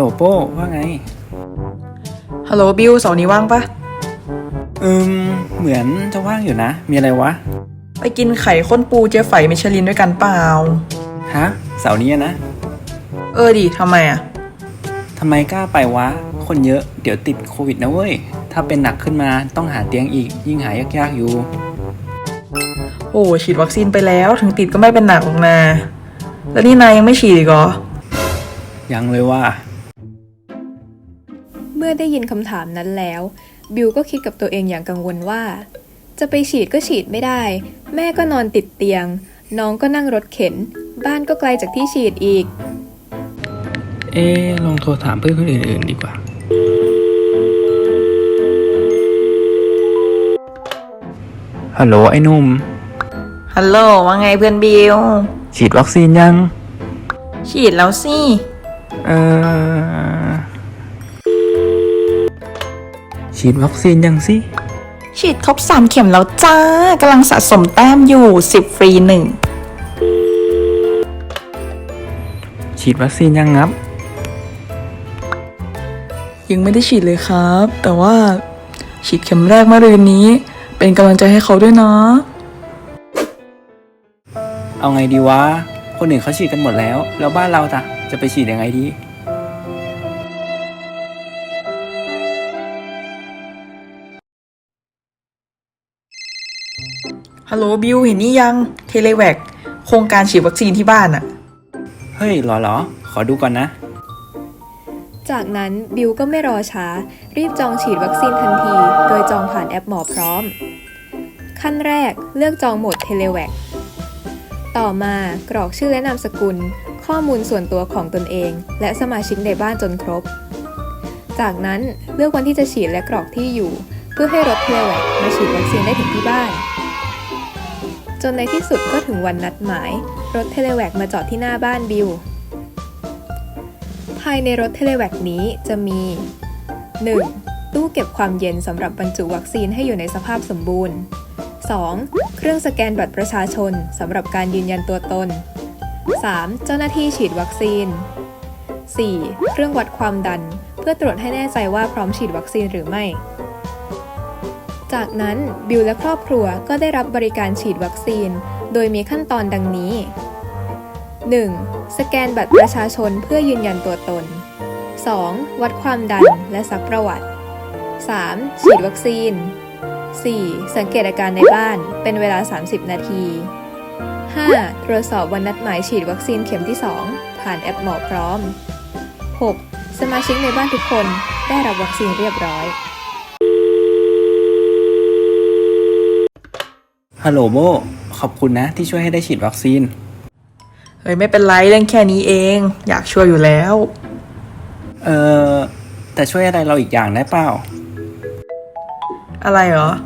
โป้ว่าไงฮัลโหลบิวเสาร์นี้ว่างปะเหมือนจะว่างอยู่นะมีอะไรวะไปกินไข่ข้นปูเจ๊ไฝมิชลินด้วยกันเปล่าฮะเสาร์นี้นะดิทำไมอ่ะทำไมกล้าไปวะคนเยอะเดี๋ยวติดโควิดนะเว้ยถ้าเป็นหนักขึ้นมาต้องหาเตียงอีกยิ่งหายากๆอยู่โอ้ฉีดวัคซีนไปแล้วถึงติดก็ไม่เป็นหนักหรอกนะแล้วนี่นายยังไม่ฉีดอีกเหรอยังเลยว่าเมื่อได้ยินคำถามนั้นแล้วบิวก็คิดกับตัวเองอย่างกังวลว่าจะไปฉีดก็ฉีดไม่ได้แม่ก็นอนติดเตียงน้องก็นั่งรถเข็นบ้านก็ไกลจากที่ฉีดอีกลองโทรถามเพื่อนคนอื่นๆดีกว่าฮัลโหลไอ้นุ่มฮัลโหลว่าไงเพื่อนบิวฉีดวัคซีนยังฉีดแล้วสิฉีดวัคซีนยังสิฉีดครบ3 เข็มแล้วจ้ากำลังสะสมแต้มอยู่10 ฟรี 1 ฉีดวัคซีนยังงับยังไม่ได้ฉีดเลยครับ แต่ว่าฉีดเข็มแรกเมื่อรืนนี้เป็นกำลังใจให้เขาด้วยนะเอาไงดีวะคนอื่นเขาฉีดกันหมดแล้วบ้านเราจะไปฉีดยังไงดีฮัลโหลบิวเห็นนี่ยังเทเลแวคโครงการฉีดวัคซีนที่บ้านอะเฮ้ยเหรอขอดูก่อนนะจากนั้นบิวก็ไม่รอช้ารีบจองฉีดวัคซีนทันทีโดยจองผ่านแอปหมอพร้อมขั้นแรกเลือกจองโหมดเทเลแวคต่อมากรอกชื่อและนามสกุลข้อมูลส่วนตัวของตนเองและสมาชิกในบ้านจนครบจากนั้นเลือกวันที่จะฉีดและกรอกที่อยู่เพื่อให้รถเทเลแวคมาฉีดวัคซีนได้ถึงที่บ้านจนในที่สุดก็ถึงวันนัดหมายรถเทเลแวคมาจอดที่หน้าบ้านบิวภายในรถเทเลแวคนี้จะมี 1. ตู้เก็บความเย็นสำหรับบรรจุวัคซีนให้อยู่ในสภาพสมบูรณ์ 2. เครื่องสแกนบัตรประชาชนสำหรับการยืนยันตัวตน 3. เจ้าหน้าที่ฉีดวัคซีน 4. เครื่องวัดความดันเพื่อตรวจให้แน่ใจว่าพร้อมฉีดวัคซีนหรือไม่จากนั้นบิวและครอบครัวก็ได้รับบริการฉีดวัคซีนโดยมีขั้นตอนดังนี้ 1. สแกนบัตรประชาชนเพื่อยืนยันตัวตน 2. วัดความดันและซักประวัติ 3. ฉีดวัคซีน 4. สังเกตอาการในบ้านเป็นเวลา30 นาที 5. ตรวจสอบวันนัดหมายฉีดวัคซีนเข็มที่ 2 ผ่านแอปหมอพร้อม 6. สมาชิกในบ้านทุกคนได้รับวัคซีนเรียบร้อยฮัลโหลโบขอบคุณนะที่ช่วยให้ได้ฉีดวัคซีนไม่เป็นไรเรื่องแค่นี้เองอยากช่วยอยู่แล้วแต่ช่วยอะไรเราอีกอย่างได้เปล่าอะไรเหรอ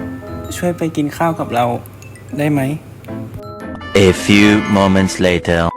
ช่วยไปกินข้าวกับเราได้ไหม A few moments later